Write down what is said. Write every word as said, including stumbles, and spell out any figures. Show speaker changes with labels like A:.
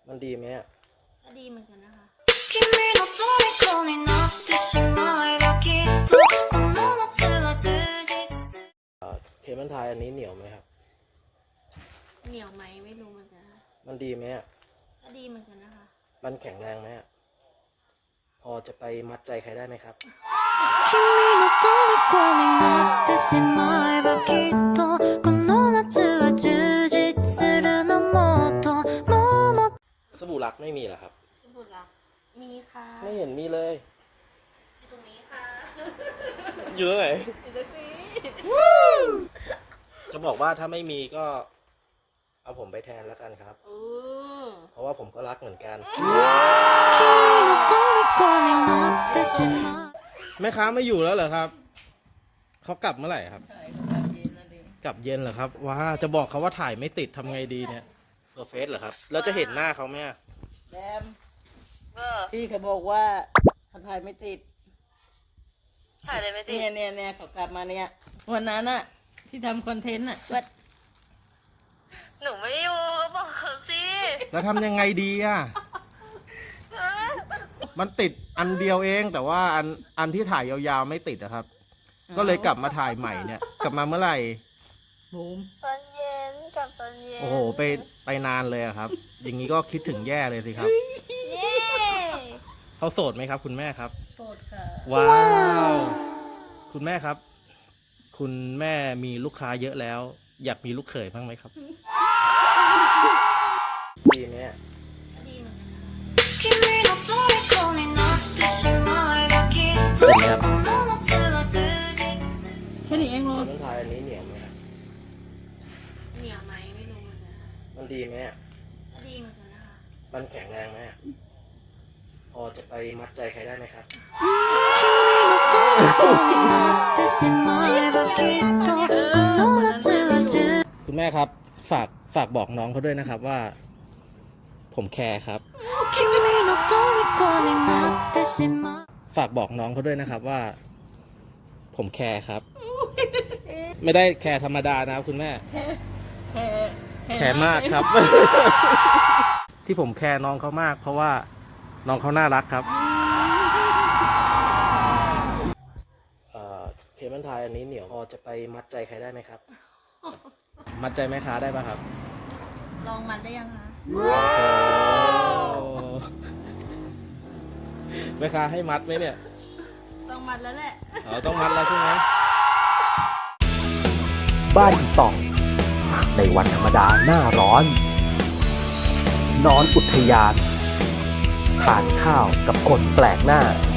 A: มันดีไหมอ่ะ
B: ก็ดีเหมือนกันนะคะ
A: เคมันทายอันนี้เหนียวไหมครับ
B: เหนียวไหมไม่รู้เหมือนกันค่ะ
A: มันดีไหมอ่ะ
B: ก็ดีเหมือนกันนะคะ
A: มันแข็งแรงไหมอ่ะพอจะไปมัดใจใครได้ไหมครับสบู่รักไม่มีเหรอครับ
B: สบู่รักมีค่ะ
A: ไม่เห็นมีเลย
B: อยู่ตรงนี้ค่ะ
A: อยู่ตรงไหน
B: อยู่ตรงนี้
A: จะบอกว่าถ้าไม่มีก็เอาผมไปแทนแล้วกันครับเพราะว่าผมก็รักเหมือนกันแม่ค้าไม่อยู่แล้วเหรอครับเขากลับเมื่อไหร่ครับกลับเย็นเหรอครับว้าจะบอกเขาว่าถ่ายไม่ติดทำไงดีเนี่ยเบอร์เฟสเหรอครับแล้วจะเห็นหน้าเขาไหม
C: แดมพี่เขาบอกว่าเขาถ่ายไม่ติด
B: ถ่ายเลยไม่ติด
C: เนี่ยเนี่ยเนี่ยเขากลับมาเนี่ยวันนั้นอะที่ทำคอนเทนต์อะ
B: หนูไม่อยู่ก็บอกเขาสิ
A: แล้วทำยังไงดีอ่ะมันติดอันเดียวเองแต่ว่าอันอันที่ถ่ายยาวๆไม่ติดนะครับก็เลยกลับมาถ่ายใหม่เนี่ยกลับมาเมื่อไหร่
C: บูม
B: ตอนเย็นกับตอนเย็น
A: โอ้โหไปไปนานเลยอะครับอย่างนี้ก็คิดถึงแย่เลยสิครับเขาโสดไหมครับคุณแม่ครับ
C: โสดค่ะ
A: ว้าวคุณแม่ครับคุณแม่มีลูกค้าเยอะแล้วอยากมีลูกเขยบ้างไหมครับดีไหมอ่ะ
B: ดีเหมือนกัน
A: เป็นไงครับ
C: แค่นี้เองเหรอ
A: มันทายอันนี้เหนียวไหมครับ
B: เหนียวไหมไม่รู้เหมือนกันค่ะ
A: มันดีไหมอ่ะ
B: ก็ดีเหมือนกันนะคะ
A: มันแข็งแรงไหมอ่ะพอจะไปมัดใจใครได้ไหมครับคุณแม่ครับฝากฝากบอกน้องเขาด้วยนะครับว่าผมแคร์ครับฝากบอกน้องเขาด้วยนะครับว่าผมแคร์ครับไม่ได้แคร์ธรรมดานะครับคุณแม่
C: แค่
A: แคร์มากครับที่ผมแคร์น้องเขามากเพราะว่าน้องเขาน่ารักครับเคมันทายอันนี้เหนียวพอจะไปมัดใจใครได้ไหมครับมัดใจแม่ค้าได้ป่ะครับ
B: ลองมัดได้ยังคะ
A: แม่ค้าให้มัดไหมเนี่ย
B: ต้องมัดแล้วแหละ
A: อ๋อต้องมัดแล้วใช่ไหม
D: บ้านอีต่องในวันธรรมดาหน้าร้อนนอนอุทยานทานข้าวกับคนแปลกหน้า